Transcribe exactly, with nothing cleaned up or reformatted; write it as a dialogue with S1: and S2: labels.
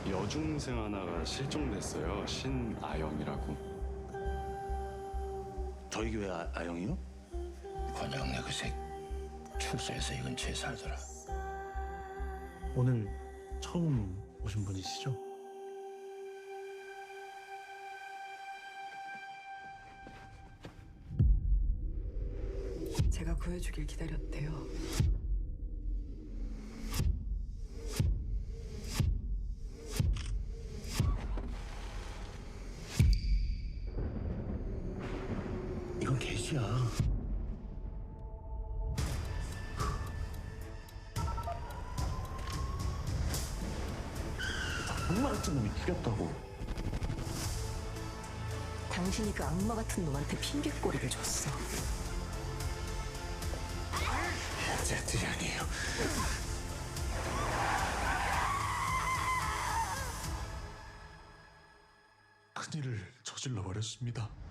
S1: 여중생 하나가 실종됐어요. 신아영이라고.
S2: 저희 교회 아, 아영이요?
S3: 권영래 그새 출소해서 이 근처에 살더라.
S4: 오늘 처음 오신 분이시죠?
S5: 제가 구해주길 기다렸대요.
S2: 이건 개시야. 악마 같은 놈이 죽였다고.
S5: 당신이 그 악마 같은 놈한테 핑계꼬리를 줬어.
S2: 제 뜻이 아니에요.
S4: 큰일을 저질러 버렸습니다.